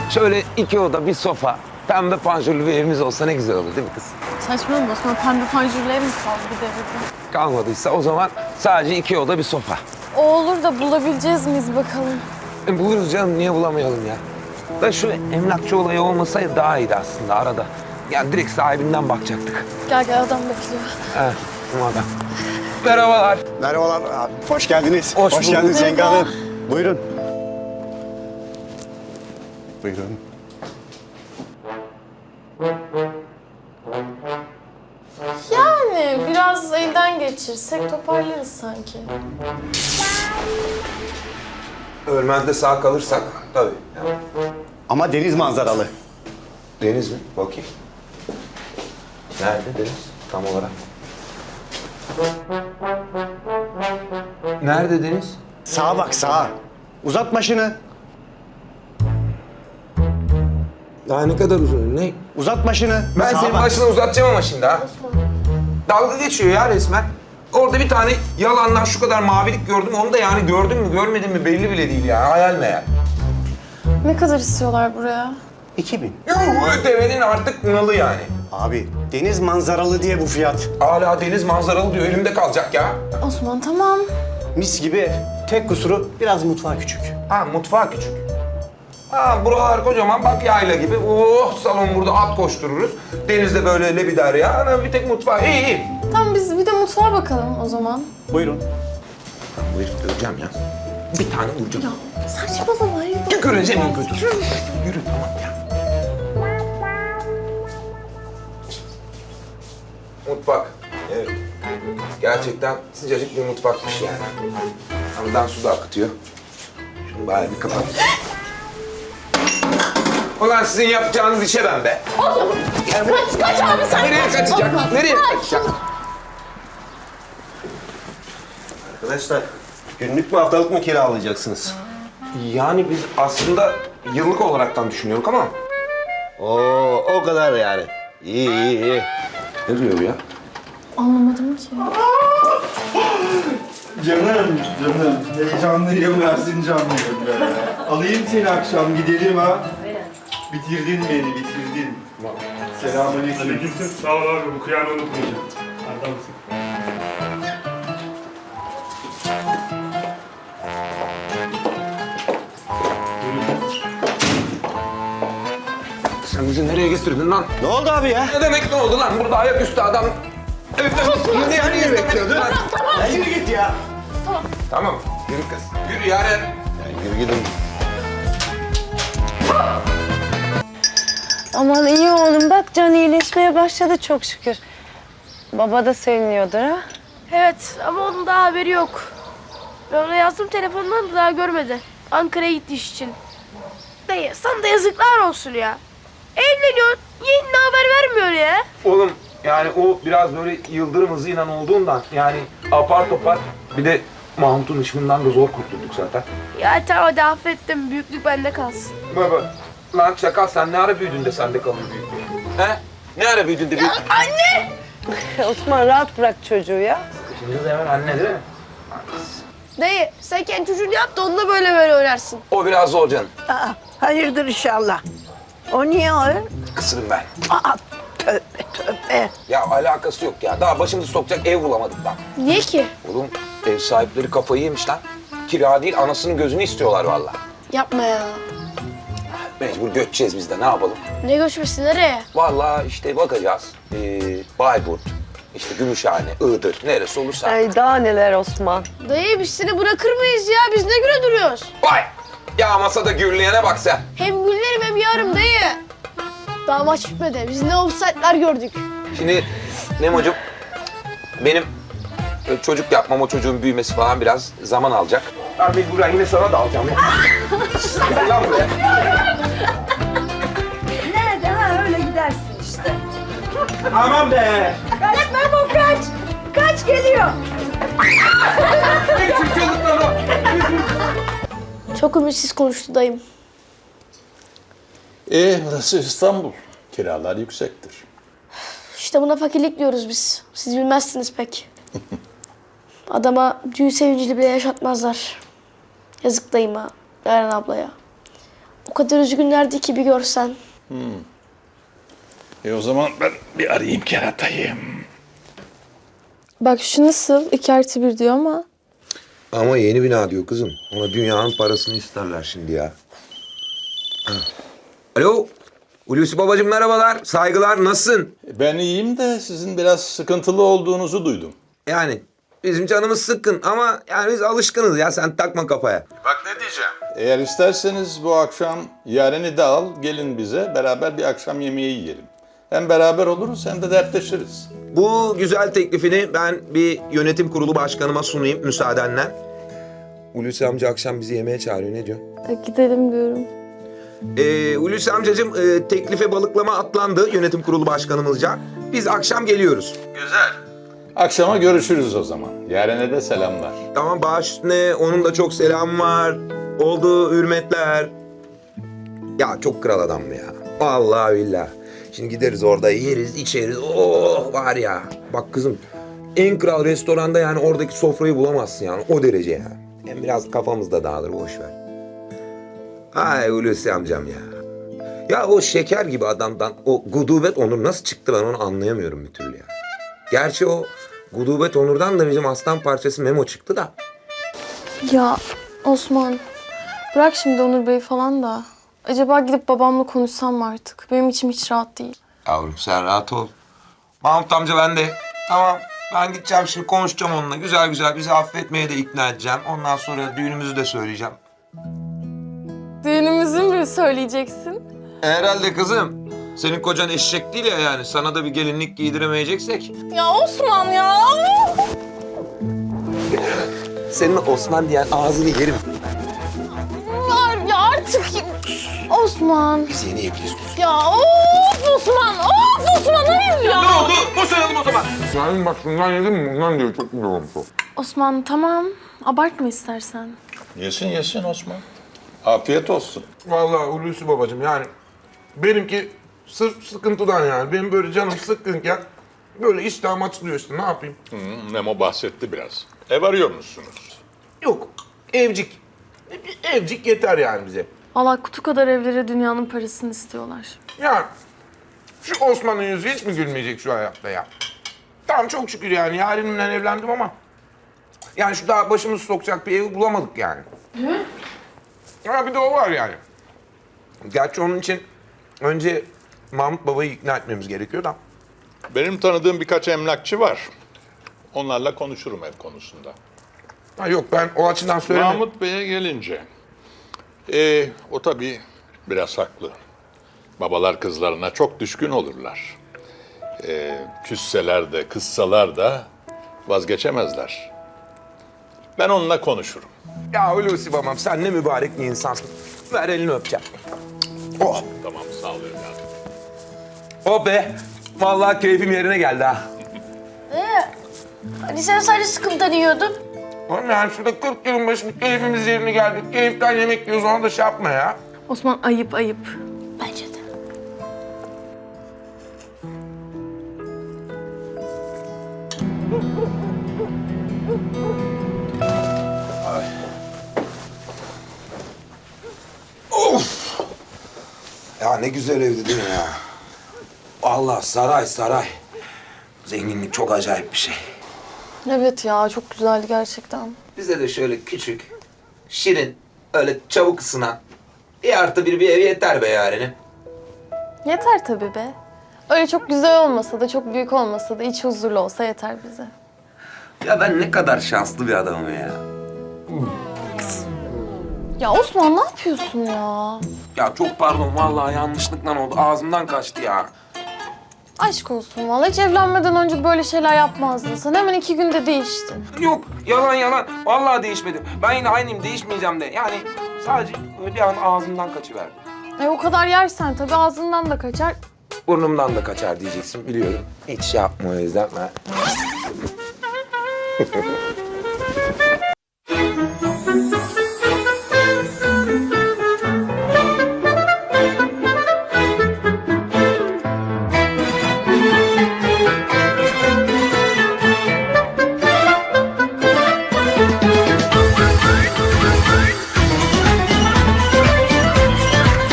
Şöyle 2 oda, bir sofa, pembe panjurlu bir evimiz olsa ne güzel olur değil mi kız? Saçmalama Osman, pembe panjurlu ev mi kaldı bir devirde? Kalmadıysa o zaman sadece 2 oda, bir sofa. O olur da bulabileceğiz miyiz bakalım? Buluruz canım, niye bulamayalım ya? Da şu emlakçı olayı olmasaydı daha iyiydi aslında arada. Yani direkt sahibinden bakacaktık. Gel gel, adam bekliyor. Evet, bu adam. Merhabalar. Merhabalar abi. Hoş geldiniz. Hoş bulduk. geldiniz Yenge Merhaba. Hanım. Buyurun. Buyurun. Yani biraz elden geçirsek toparlarız sanki. Ölmezde sağ kalırsak tabii. Ama deniz manzaralı. Deniz mi? Bakayım. Nerede deniz tam olarak? Nerede deniz? Sağa bak sağa. Uzat başını. Daha ne kadar uzun? Ne? Uzat başını. Ben Sağa senin bak. başını uzatacağım ama şimdi ha. Dalga geçiyor ya resmen. Orada bir tane yalandan şu kadar mavilik gördüm. Onu da yani gördün mü görmedin mi belli bile değil ya. Hayal meyal. Ne kadar istiyorlar buraya? 2000. Bu devenin artık nalı yani. Abi deniz manzaralı diye bu fiyat. Hala deniz manzaralı diyor. Elimde kalacak ya. Osman tamam. Mis gibi ev. Tek kusuru biraz mutfağı küçük. Ha mutfağı küçük. Ha buralar kocaman bak yayla gibi. Oh salon burada at koştururuz. Denizde böyle lebider ya. Ana bir tek mutfağı. İyi iyi. Tamam biz bir de mutfağa bakalım o zaman. Buyurun. Bu herifi göreceğim ya. Bir tane vuracağım. Saçmalama ya. Tüküreceğim en kötü. Yürü tamam ya. Mutfak. Evet. Gerçekten sıcacık bir mutfakmış yani. Hamdan su da akıtıyor. Şunu bari bir kapat. Ulan sizin yapacağınız işe ben be. Kaç abi sen. Nereye kaçacak? Nereye kaçacak? Arkadaşlar, günlük mü haftalık mı kiralayacaksınız? Yani biz aslında yıllık olaraktan düşünüyoruz ama... Oo, o kadar yani. İyi, iyi, iyi. Ne diyor bu ya? Anlamadım ki. Canım, heyecanlıyım, versin canlıyım be. Alayım seni akşam, gidelim ha. Bitirdin beni, bitirdin. Selamünaleyküm. Aleykümselam. Sağ ol abi. Bu kıyağını unutmayacağım. Adamsın. Sen bizi nereye getirdin lan? Ne oldu abi ya? Ne demek ne oldu lan? Burada ayaküstü adam... Evet, Sen niye bekliyordun? Ya yürü git ya. Tamam, yürü kız. Yürü Yaren. Yürü gidin. Aman iyi oğlum bak can iyileşmeye başladı çok şükür. Baba da seviniyordur ha. Evet ama onun daha haberi yok. Ben ona yazdım telefondan da daha görmedi. Ankara'ya gitti iş için. Dayı sana da yazıklar olsun ya. Evleniyorsun, yeğenine haber vermiyor ya. Oğlum yani o biraz böyle yıldırım hızıyla olduğundan yani apar topar bir de Mahmut'un ışığından da zor kurtulduk zaten. Ya tamam hadi affettim, büyüklük bende kalsın. Baba lan çakal sen ne ara büyüdün de sende kalır büyüklük? He? Ne ara büyüdün de büyüdün? Anne! Osman rahat bırak çocuğu ya. Şimdi de hemen anne değil mi? Dayı sen kendi çocuğunu yap da onunla böyle oynarsın. O biraz zor canım. Hayırdır inşallah. O niye o? Kısırım ben. Aa, tövbe tövbe. Ya alakası yok ya. Daha başımızı sokacak ev bulamadık lan. Niye ki? Oğlum ev sahipleri kafayı yemiş lan. Kira değil anasının gözünü istiyorlar vallahi. Yapma ya. Mecbur göçeceğiz biz de ne yapalım? Ne göçmesi nereye? Vallahi işte bakacağız. Bayburt, işte Gümüşhane, Iğdır, neresi olursa. Ay daha neler Osman. Dayı biz seni bırakır mıyız ya? Biz ne güne duruyoruz? Vay! Ya masada gürleyene bak sen. Hem güllerim hem yarım dayı. Daha maç bitmedi. Biz ne offside'lar gördük. Şimdi Nemo'cum benim çocuk yapmam, o çocuğun büyümesi falan biraz zaman alacak. Ben mecburen yine sana da alacağım ya. Gel lan buraya. Nerede ha öyle gidersin işte. Aman be! Kaç Memo kaç. Kaç geliyor. Çok ümitsiz konuştu dayım. Burası İstanbul. Kiralar yüksektir. İşte buna fakirlik diyoruz biz. Siz bilmezsiniz pek. Adama düğün sevincini bile yaşatmazlar. Yazık dayıma, Yaren ablaya. O kadar üzgünlerdi ki bir görsen. O zaman ben bir arayayım keratayı. Bak şu nasıl? 2+1 diyor ama. Ama yeni bina diyor kızım. Ona dünyanın parasını isterler şimdi ya. Ha. Alo. Hulusi babacığım merhabalar. Saygılar. Nasılsın? Ben iyiyim de sizin biraz sıkıntılı olduğunuzu duydum. Yani bizim canımız sıkkın ama yani biz alışkınız ya. Sen takma kafaya. Bak ne diyeceğim. Eğer isterseniz bu akşam Yaren'i de al, gelin bize beraber bir akşam yemeği yiyelim. Hem beraber oluruz hem de dertleşiriz. Bu güzel teklifini ben bir yönetim kurulu başkanıma sunayım müsaadenle. Hulusi amca akşam bizi yemeğe çağırıyor. Ne diyorsun? Gidelim diyorum. Hulusi amcacığım teklife balıklama atlandı yönetim kurulu başkanımızca. Biz akşam geliyoruz. Akşama görüşürüz o zaman. Yaren'e de selamlar. Tamam baş üstüne onun da çok selam var. Oldu hürmetler. Ya çok kral adam ya. Vallahi billahi. Şimdi gideriz orada yeriz içeriz. Oh var ya. Bak kızım en kral restoranda yani oradaki sofrayı bulamazsın yani o derece ya. Hem biraz kafamız da dağılır boş ver. Ay Hulusi amcam ya. Ya o şeker gibi adamdan o gudubet onur nasıl çıktı ben onu anlayamıyorum bir türlü ya. Gerçi o gudubet onurdan da bizim aslan parçası Memo çıktı da. Ya Osman, bırak şimdi Onur Bey falan da. Acaba gidip babamla konuşsam mı artık? Benim içim hiç rahat değil. Yavrum sen rahat ol. Mahmut amca ben de. Tamam ben gideceğim şimdi konuşacağım onunla. Güzel güzel bizi affetmeye de ikna edeceğim. Ondan sonra düğünümüzü de söyleyeceğim. Düğünümüzü mü söyleyeceksin? Herhalde kızım. Senin kocan eşek değil ya yani. Sana da bir gelinlik giydiremeyeceksek. Ya Osman ya! Senin Osman diyen ağzını yerim. Ya artık... Osman. Biz yeni evliyiz. Ya of Osman! Of Osman hayır ya! Ne oldu? Boşanalım o zaman. Yani bak şundan yedim mi? Bundan diyor. Çok güzel olmuş o. Osman tamam. Abartma istersen. Yesin yesin Osman. Afiyet olsun. Vallahi Hulusi babacığım yani benimki sırf sıkıntıdan yani. Benim böyle canım sıkkınken böyle iştahım açılıyor işte ne yapayım? Memo bahsetti biraz. Ev arıyor musunuz? Yok evcik. Bir evcik yeter yani bize. Vallahi kutu kadar evlere dünyanın parasını istiyorlar. Yani şu Osman'ın yüzü hiç mi gülmeyecek şu hayatta ya? Tamam çok şükür yani yarenimle evlendim ama yani şu daha başımızı sokacak bir evi bulamadık yani. Ya bir de o var yani. Gerçi onun için önce Mahmut babayı ikna etmemiz gerekiyor da. Benim tanıdığım birkaç emlakçı var. Onlarla konuşurum ev konusunda. Ha yok ben o açıdan söylemiyorum. Mahmut Bey'e gelince, o tabii biraz haklı. Babalar kızlarına çok düşkün olurlar. Küsseler de, kızsalar da vazgeçemezler. Ben onunla konuşurum. Ya Hulusi babam sen ne mübarek bir insansın. Ver elini öpeceğim. Oh, Tamam, sağ ol evladım. oh be. Vallahi keyfim yerine geldi ha. Hani sen sadece sıkıntıdan yiyordun. Oğlum yani şurada 40 yılın başında keyfimiz yerine geldi. Keyiften yemek yiyoruz ona da şey yapma ya. Osman ayıp ayıp. Bence de. Ya ne güzel evdi değil mi ya? Allah saray saray. Zenginlik çok acayip bir şey. Evet ya çok güzeldi gerçekten. Bize de şöyle küçük, şirin, öyle çabuk ısınan 1+1 bir ev yeter be yarenim. Yeter tabii be. Öyle çok güzel olmasa da çok büyük olmasa da iç huzurlu olsa yeter bize. Ya ben ne kadar şanslı bir adamım ya. Ya Osman ne yapıyorsun ya? Ya çok pardon vallahi yanlışlıkla oldu. Ağzımdan kaçtı ya. Aşk olsun vallahi hiç evlenmeden önce böyle şeyler yapmazdın. Sen hemen 2 günde değiştin. Yok yalan yalan. Vallahi değişmedim. Ben yine aynıyım değişmeyeceğim de. Yani sadece bir an ağzımdan kaçıverdi. O kadar yersen tabii ağzından da kaçar. Burnumdan da kaçar diyeceksin biliyorum. Hiç şey yapma o yüzden ben.